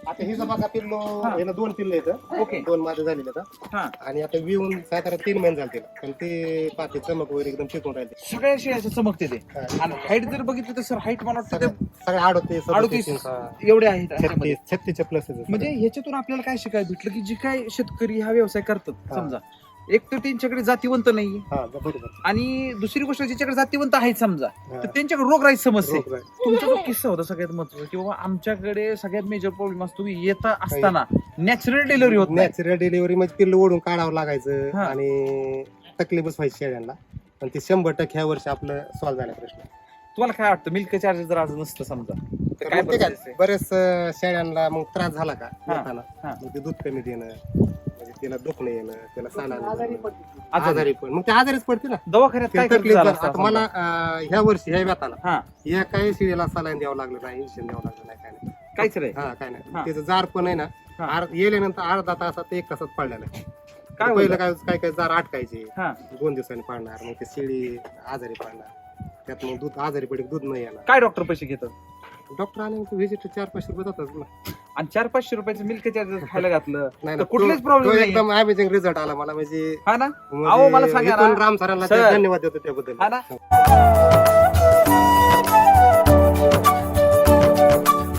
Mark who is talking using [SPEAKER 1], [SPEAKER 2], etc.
[SPEAKER 1] आता ही बघा पिल्लो याला 2 पिल्ले आहेत.
[SPEAKER 2] ओके.
[SPEAKER 1] 2 माझे झालेले आहेत.
[SPEAKER 2] हा
[SPEAKER 1] आणि आता विहून साधारण 3 महिने झाले तिला. पण ते पाते चमक वगैरे एकदम टिकून राहिले.
[SPEAKER 2] सगळ्या शेळ्याचं चमकते ते.
[SPEAKER 1] हा.
[SPEAKER 2] आणि हाईट जर बघितलं तर सर हाईट मला वाटतं ते
[SPEAKER 1] सगळे 38
[SPEAKER 2] 38
[SPEAKER 1] 37
[SPEAKER 2] एवढे आहेत ह्याच्यामध्ये.
[SPEAKER 1] 36 प्लस
[SPEAKER 2] म्हणजे ह्याच्यातून आपल्याला काय शिकायला भेटलं की जे काय शेतकरी हा व्यवसाय करतात
[SPEAKER 1] हा.
[SPEAKER 2] समजा एक तर त्यांच्याकडे जातीवंत नाही
[SPEAKER 1] हा बरोबर.
[SPEAKER 2] आणि दुसरी गोष्ट ज्याच्याकडे जातीवंत आहेत समजा
[SPEAKER 1] हा.
[SPEAKER 2] तर त्यांच्याकडे रोगराईची समस्या आहे.
[SPEAKER 1] रोग राय.
[SPEAKER 2] तुमचा जो किस्सा होता सगळ्यात महत्वाचा की बाबा आमच्याकडे सगळ्यात मेजर प्रॉब्लेम असतो की येता असताना नॅचरल डिलिव्हरी होत नाही.
[SPEAKER 1] नॅचरल डिलिव्हरी मध्ये पिल्ल ओढून काढावं लागायचं
[SPEAKER 2] हा.
[SPEAKER 1] आणि तकलीफच व्हायची शेळ्यांना. पण ते 100% ह्या वर्षी आपलं सॉल्व्ह झाला प्रश्न.
[SPEAKER 2] तुम्हाला काय वाटतं मिल्क चार्जेस जर आज नसतं समजा तर काय
[SPEAKER 1] मग ते काय
[SPEAKER 2] process आहे?
[SPEAKER 1] बरेच शेळ्यांना मग त्रास झाला का
[SPEAKER 2] हा.
[SPEAKER 1] येताना
[SPEAKER 2] हा.
[SPEAKER 1] मग ते दूध कमी देणं म्हणजे त्याला दुखणं येणं त्याला साला
[SPEAKER 2] आजारी.
[SPEAKER 1] आजारी पण मग ते आजारीच पडते ना.
[SPEAKER 2] दवाखान्यात
[SPEAKER 1] ते
[SPEAKER 2] काय खर्च
[SPEAKER 1] तकलीफ
[SPEAKER 2] झाला
[SPEAKER 1] आता
[SPEAKER 2] असता
[SPEAKER 1] मला
[SPEAKER 2] समजा?
[SPEAKER 1] ह्या वर्षी ह्या व्यताला
[SPEAKER 2] हा
[SPEAKER 1] या काही शिळेला सलाईन द्यावं लागलं नाही इंजेक्शन द्यावं लागलं नाही काय नाही.
[SPEAKER 2] काहीच नाही
[SPEAKER 1] हा काय नाही
[SPEAKER 2] हा.
[SPEAKER 1] त्याचं जार पण आहे ना
[SPEAKER 2] हा.
[SPEAKER 1] गेल्यानंतर अर्धा तासात 1 तासात पडलेलं आहे.
[SPEAKER 2] काय
[SPEAKER 1] पहिलं
[SPEAKER 2] बोलता?
[SPEAKER 1] काय काय जार अटकायचे
[SPEAKER 2] हा
[SPEAKER 1] 2 दिवसांनी पडणार मग ते शेळी आजारी पडणार त्यात मग दूध आजारी पडे दूध नाही येणार.
[SPEAKER 2] काय डॉक्टर पैसे घेतात
[SPEAKER 1] डॉक्टर आणि व्हिजिट 4-5 रुपये जातात ना.
[SPEAKER 2] आणि 400-500 रुपयाचं मिल्क चार्जेस खायला घातलं
[SPEAKER 1] नाही
[SPEAKER 2] तर
[SPEAKER 1] ना,
[SPEAKER 2] कुठलेच
[SPEAKER 1] तो
[SPEAKER 2] प्रॉब्लेम नाही
[SPEAKER 1] एकदम अमेझिंग रिझल्ट आला मला म्हणजे
[SPEAKER 2] हा ना अहो, मला सांगा ना.
[SPEAKER 1] राम सरांना
[SPEAKER 2] सर.
[SPEAKER 1] धन्यवाद देतो त्याबद्दल.
[SPEAKER 2] हा ना